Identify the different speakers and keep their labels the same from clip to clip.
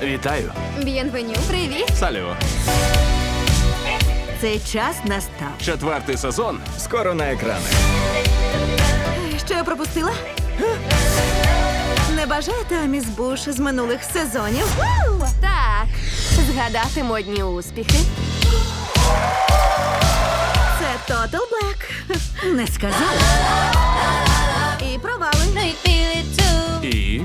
Speaker 1: Вітаю.
Speaker 2: Б'єнвеню. Привіт.
Speaker 1: Салю.
Speaker 3: Цей час настав.
Speaker 1: 4-й сезон скоро на екранах.
Speaker 3: Що я пропустила? Не бажаєте Аміс Буш з минулих сезонів?
Speaker 2: Так. Згадати модні успіхи.
Speaker 3: Це Total Black. Не сказала. І провали.
Speaker 1: І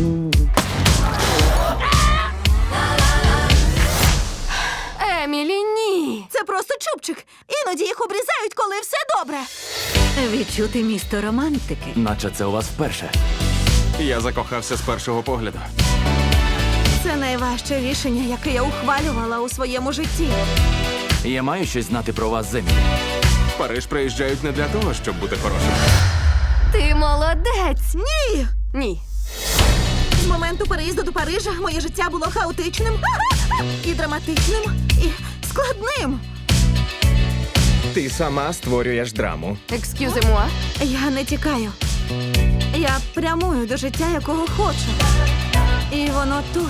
Speaker 2: Емілі, ні.
Speaker 3: Це просто чубчик. Іноді їх обрізають, коли все добре. Відчути місто романтики.
Speaker 1: наче це у вас вперше. Я закохався з першого погляду.
Speaker 3: Це найважче рішення, яке я ухвалювала у своєму житті.
Speaker 1: Я маю щось знати про вас, Землі. В Париж приїжджають не для того, щоб бути хорошим.
Speaker 2: Ти молодець.
Speaker 3: Ні!
Speaker 2: Ні.
Speaker 3: З моменту переїзду до Парижа моє життя було хаотичним і драматичним, і складним.
Speaker 4: Ти сама створюєш драму.
Speaker 2: Екскюзи-муа.
Speaker 3: Я не тікаю. Я прямую до життя, якого хочу. І воно тут.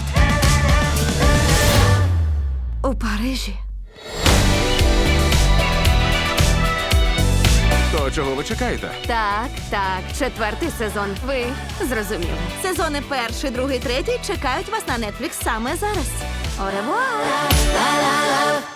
Speaker 3: У Парижі.
Speaker 1: То чого ви чекаєте?
Speaker 2: Так, так. 4-й сезон. Ви зрозуміли.
Speaker 3: Сезони 1, 2, 3 чекають вас на Netflix саме зараз.
Speaker 2: Au revoir.